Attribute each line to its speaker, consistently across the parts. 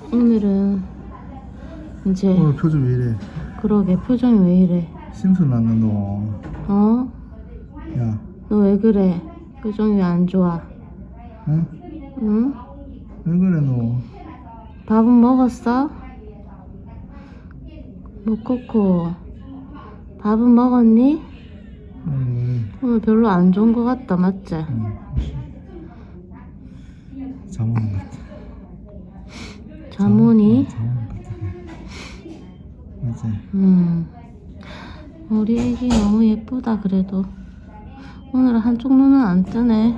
Speaker 1: 오늘은 이제
Speaker 2: 오늘 표정 왜 이래?
Speaker 1: 그러게 표정이 왜 이래?
Speaker 2: 심술 났나 너?
Speaker 1: 어?
Speaker 2: 야,
Speaker 1: 너 왜 그래? 표정이 왜 안 좋아?
Speaker 2: 응?
Speaker 1: 응?
Speaker 2: 왜 그래 너?
Speaker 1: 밥은 먹었어? 모코코 밥은 먹었니? 오늘 별로 안 좋은 것 같다 맞지?
Speaker 2: 응. 잠 오는 것 같아.
Speaker 1: 자모니?
Speaker 2: 잠 오는 것 같아. 맞지?
Speaker 1: 우리 애기 너무 예쁘다 그래도 오늘 한쪽 눈은 안 뜨네.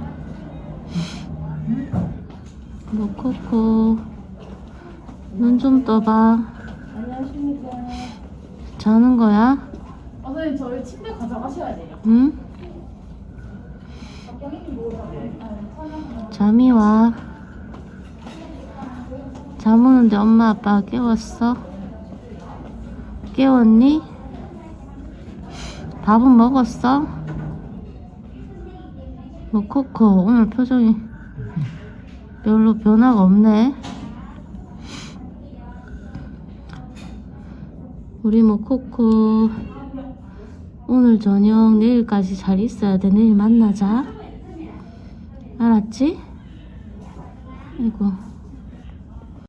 Speaker 1: 모코코 눈 좀 떠봐.
Speaker 3: 안녕하십니까.
Speaker 1: 자는 거야?
Speaker 3: 선생님 저희 침대 가져가셔야 돼요.
Speaker 1: 응? 잠이 와. 잠 오는데 엄마 아빠가 깨웠어? 깨웠니? 밥은 먹었어? 모코코 오늘 표정이 별로 변화가 없네. 우리 모코코 오늘 저녁 내일까지 잘 있어야 돼. 내일 만나자. 알았지? 아이고